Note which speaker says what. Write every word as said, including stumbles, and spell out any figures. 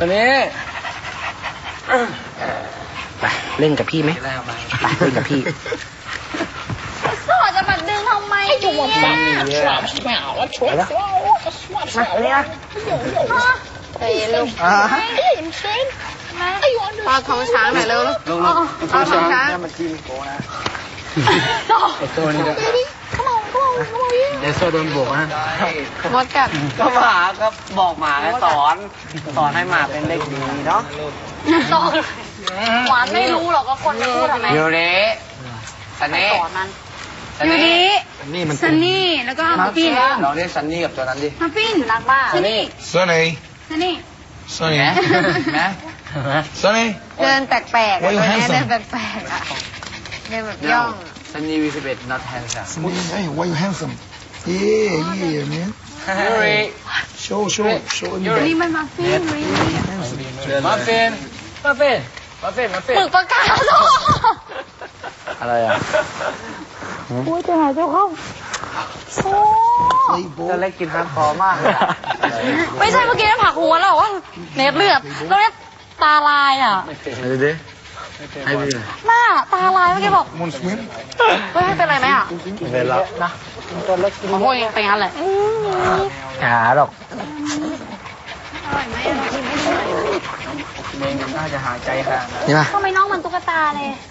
Speaker 1: ตัวนี้ไปเล่นกับพี่ไหมไปเล่นกับพี่
Speaker 2: สอจะมาดึงทำไมเนี่ยมาเลยนะใจเย็นลูกปลาท้องช้างหน่อยเร็วลูกปลาท้องช้าง
Speaker 1: มันทีมโกนะไอตัวนี้ก็เดี๋ยวโซ่โดนบวกนะ
Speaker 2: มดกัด
Speaker 1: ก็หมาก็บอกหมาให้สอนสอนให้หมาเป็นเด็กดีเนาะ
Speaker 2: สอนหวานไม่รู้หรอกว่าคนจะพูดอะไร
Speaker 1: ยูริซันนี่
Speaker 2: สอนมันยูริซันนี่แล้วก็ฮัฟฟิน
Speaker 1: ลองเรียกซันนี่กับตัวนั้นดิ
Speaker 2: ฮัฟฟินรักมาก
Speaker 1: ซันนี่
Speaker 3: ซันนี่
Speaker 2: ซันนี่
Speaker 3: ซันนี่
Speaker 1: นะ
Speaker 3: ซันนี่
Speaker 2: เดินแปลกๆเลยเดินแปลกๆอ่ะเดินแบบย่อง
Speaker 1: ซันนี่วีสิบเอ็ด not handsome
Speaker 3: Hey why you handsome yeah yeah man
Speaker 1: Yuri
Speaker 3: show show show
Speaker 2: ยูริมันมาฟิน
Speaker 1: มาฟินมาฟินมาฟินมาฟิน
Speaker 2: ฝึกประกาศ
Speaker 1: อะไรอ่ะ
Speaker 2: โอ้ยจะหายเจ้าเข้าโอ้
Speaker 1: จะเล็กกินฮาร์ดคอร์มาก
Speaker 2: ไม่ใช่เมื่อกี้นั่นผักหัวเราว่าเน็ตเลือดแล้วเนี่ยตาลายอ่ะ
Speaker 1: ไอ้ดิไอ้ดิ
Speaker 2: หน้าตาลายเมื่อกี้บอกเฮ้ยเป็นไรไหมอ่ะ
Speaker 1: เป็นแล้วนะ
Speaker 2: ตัวเล็กกินโอ้ยเป็นงั้นเลย
Speaker 1: หาหรอก
Speaker 2: อร่อยไหม
Speaker 1: เมงน่าจะหาใจห่าง
Speaker 2: ทำไมน้องมันตุ๊กตาเลย